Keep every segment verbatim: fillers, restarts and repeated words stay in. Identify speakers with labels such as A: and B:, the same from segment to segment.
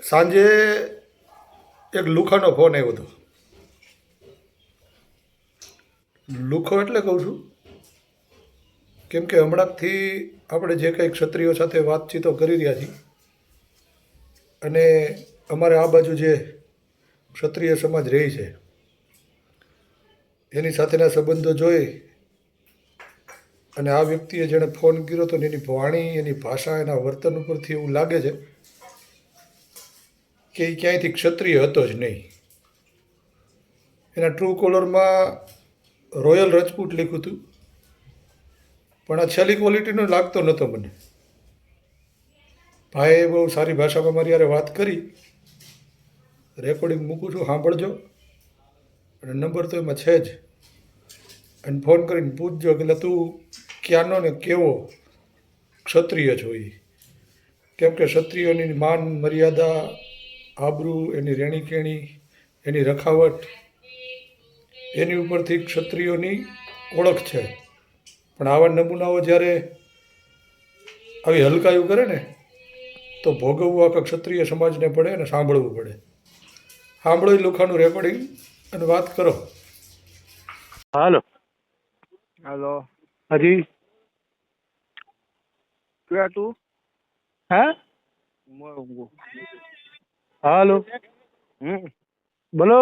A: સાંજે એક લુખાનો ફોન આવ્યો હતો. લુખો એટલે કહું છું કેમ કે હમણાંથી આપણે જે કંઈ ક્ષત્રિયો સાથે વાતચીતો કરી રહ્યા છીએ અને અમારે આ બાજુ જે ક્ષત્રિય સમાજ રહી છે એની સાથેના સંબંધો જોઈ અને આ વ્યક્તિએ જેણે ફોન કર્યો હતો ને એની વાણી, એની ભાષા, એના વર્તન ઉપરથી એવું લાગે છે કે એ ક્યાંયથી ક્ષત્રિય હતો જ નહીં. એના ટ્રુ કોલરમાં રોયલ રજપૂત લખ્યું હતું, પણ આ છેલ્લી ક્વોલિટીનો લાગતો નહોતો મને. ભાઈએ બહુ સારી ભાષામાં મારી યારે વાત કરી. રેકોર્ડિંગ મૂકું છું, સાંભળજો. અને નંબર તો એમાં છે જ. અને ફોન કરીને પૂછજો કે તું ક્યાંનો ને કેવો ક્ષત્રિય છો. એ કેમ કે ક્ષત્રિયોની માન મર્યાદા, આબરૂ, એની રહેણી કહેણી, એની રખાવટ, એની ઉપરથી ક્ષત્રિયોની ઓળખ છે. પણ આવા નમૂનાઓ જ્યારે આવી હલકાયું કરે ને તો ભોગવવું આખા ક્ષત્રિય સમાજને પડે અને સાંભળવું પડે. સાંભળો એ લુખાનું રેકોર્ડિંગ અને વાત કરો.
B: હાલો.
C: હાલો.
B: હાજી.
C: ક્યાં તું?
B: હા.
C: મોરંગો.
B: હાલો.
C: હમ.
B: બોલો.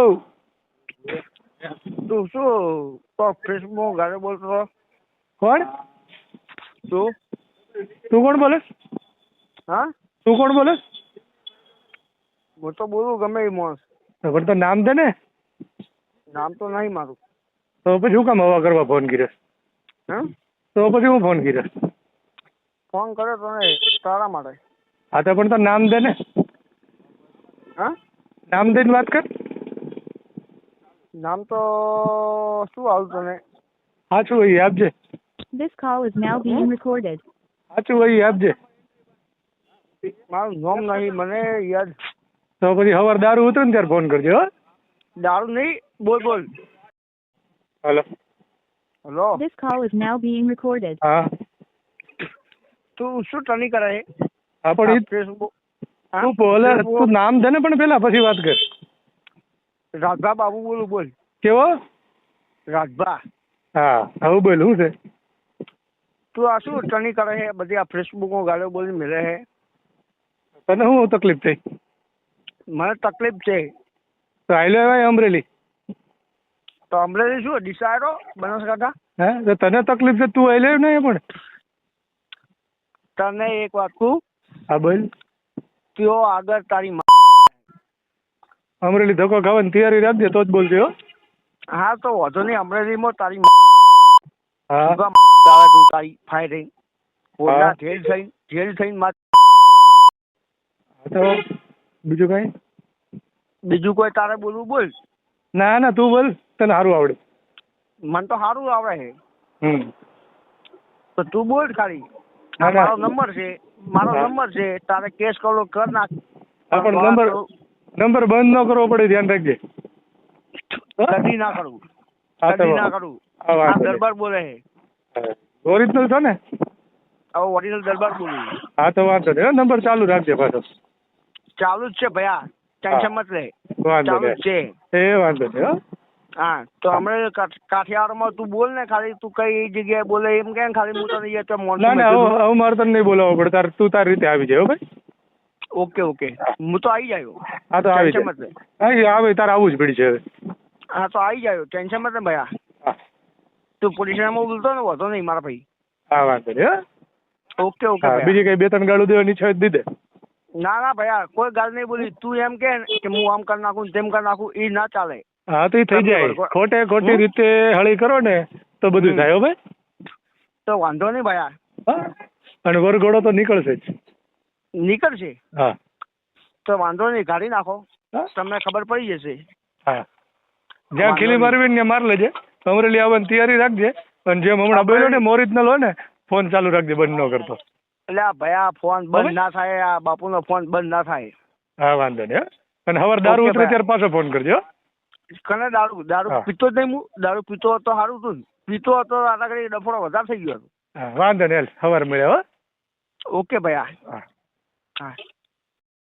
C: તું શું તો ફેસબુક ગાડે બોલતો હતો?
B: કોણ?
C: તું
B: તું કોણ બોલે?
C: હા,
B: તું કોણ બોલે?
C: હું તો બોલું ગમે એ માણસ.
B: પણ તો નામ દે ને.
C: નામ તો નહીં મારું.
B: તો પછી શું કામ હવા કરવા ફોન કર્યો?
C: હમ.
B: તો પછી હું ફોન કર્યો?
C: ફોન કર્યો તને તારા માટે.
B: હા તો પણ તો નામ દે ને.
C: હા,
B: નામ દઈને વાત કર.
C: નામ તો શું આવ્યું તને?
B: સાચું હોય એ આપજે.
D: This call is now being recorded.
B: સાચું હોય એ આપજે.
C: મારું નામ નહીં મને યાદ.
B: તો પછી સવાર દારૂ ઉતરે ને ત્યારે ફોન કરજો. હો.
C: દારૂ નહીં. બોલ બોલ.
B: Hello.
C: Hello.
D: This call is now being recorded.
B: હા.
C: તું શું ટની કરે છે?
B: હા પણ ઈ
C: ફેસબુક.
B: તું બોલે, તું નામ દે ને પણ પેલા પછી વાત કર.
C: રાજભા બાબુ બોલું. બોલ.
B: કેવો?
C: રાજભા.
B: હા હવે બોલ શું છે?
C: તું આ શું ટની કરે છે? બધી આ ફેસબુકમાં ગાળો બોલી મેળે છે.
B: તને શું તકલીફ થઈ?
C: મને તકલીફ છે.
B: તો આયલો એવાય અમરેલી.
C: તો અમરેલી શું ડિસાયડો બનાસકાંઠા?
B: હે તો તને તકલીફ છે, તું આયલો નહીં પણ.
C: તને એક વાત કહું?
B: હા બોલ.
C: ત્યો આગળ તારી મા.
B: અમરેલી ધક્કો ખાવાની તૈયારી રાખજે તો જ બોલજે. હો.
C: હા તો વાંધો નહીં. અમરેલીમાં તારી
B: હા
C: આવે તું તારી ફાઈ થઈ
B: હા.
C: જેલ થઈ જેલ થઈને મા.
B: તો બીજું કઈ?
C: બીજું કોઈ તારે બોલવું બોલ.
B: ના ના તું બોલ, તને સારું આવડે.
C: મને તો સારું આવડે છે.
B: હમ
C: તો તું બોલ ખાલી.
B: ના, ના.
C: મારો નંબર છે મારો
B: હા.
C: નંબર છે તારે કેસ કરો કર નાખ.
B: હા પણ નંબર નંબર બંધ ન કરવો પડે, ધ્યાન રાખજે.
C: કદી ના કરું.
B: હા તો
C: કદી ના કરું.
B: હા,
C: આ
B: વાંધો નહીં.
C: દરબાર બોલે છે.
B: ઓરિજિનલ છો ને?
C: હવે ઓરિજિનલ દરબાર બોલું.
B: હા તો વાંધો નહીં. હો, નંબર ચાલુ રાખજે પાછો.
C: ચાલુ જ છે ભૈયા. ટેન્શન મત લે.
B: વાંધો
C: ચાલુ જ
B: નહીં.
C: છે.
B: એ વાંધો નહીં. હો.
C: હા તો હમણાં કાઠિયાવાડમાં તું બોલ ને ખાલી. તું કઈ જગ્યાએ બોલે એમ કે ખાલી હું તને તો
B: ના ના હવે હવે મારે તને નહીં બોલાવવો પડે. તાર તું તારી રીતે આવી જાય. હો ભાઈ.
C: ઓકે ઓકે હું તો આવી જાયો.
B: હા તો આવી
C: ટેન્શન
B: જાય.
C: મત લે.
B: હા એ આવે તારે આવવું જ પડી છે હવે.
C: હા તો આવી જાયો. ટેન્શન મત લે ભૈયા.
B: હા
C: તું પોલીસ સ્ટેશનમાં બોલતો ને વધો નહીં મારા ભાઈ.
B: હા વાંધો નહીં. હો.
C: ઓકે ઓકે
B: હા
C: ભૈયા.
B: બીજી કઈ બે ત્રણ ગાળું દેવાની છે દીધે.
C: ના ના ભૈયા કોઈ ગાલ નહીં બોલી. તું એમ કે ને કે હું આમ કરી નાખું તેમ કરી નાખું એ ના ચાલે.
B: હા તો એ થઈ જાય. ખોટે ખોટી રીતે હળી કરો ને તો બધું થાય. હો ભાઈ.
C: તો વાંધો નહીં ભૈયા.
B: હા અને વરઘોડો તો નીકળશે જ.
C: નીકળશે
B: હા
C: તો વાંધો નહીં. કાઢી નાખો.
B: હા
C: તમને ખબર પડી જશે.
B: હા જ્યાં ખીલી મારવી ને ત્યાં માર લેજે. અમરેલી આવવાની તૈયારી રાખજે. અને જેમ હમણાં બોલ્યો ને ઓરિજિનલ હોય ને ફોન ચાલુ રાખજે, બંધ ન કરતો.
C: એટલે આ ભૈયા ફોન બંધ ના થાય. આ બાપુનો ફોન બંધ ના થાય.
B: હા વાંધો નહીં. હો. અને સવાર દારૂ
C: ઓકે
B: ઉતરે
C: ભાઈ.
B: ત્યારે પાછો ફોન કરજો.
C: કને દારૂ દારૂ
B: હા.
C: પીતો જ નહીં. હું દારૂ પીતો હતો સારું હતું ને. પીતો હતો આના ઘડી ડફોડો વધારે થઈ ગયો હતો.
B: હા વાંધો નહીં. સવાર મળ્યા. હો.
C: ઓકે ભૈયા.
B: હા
C: હા.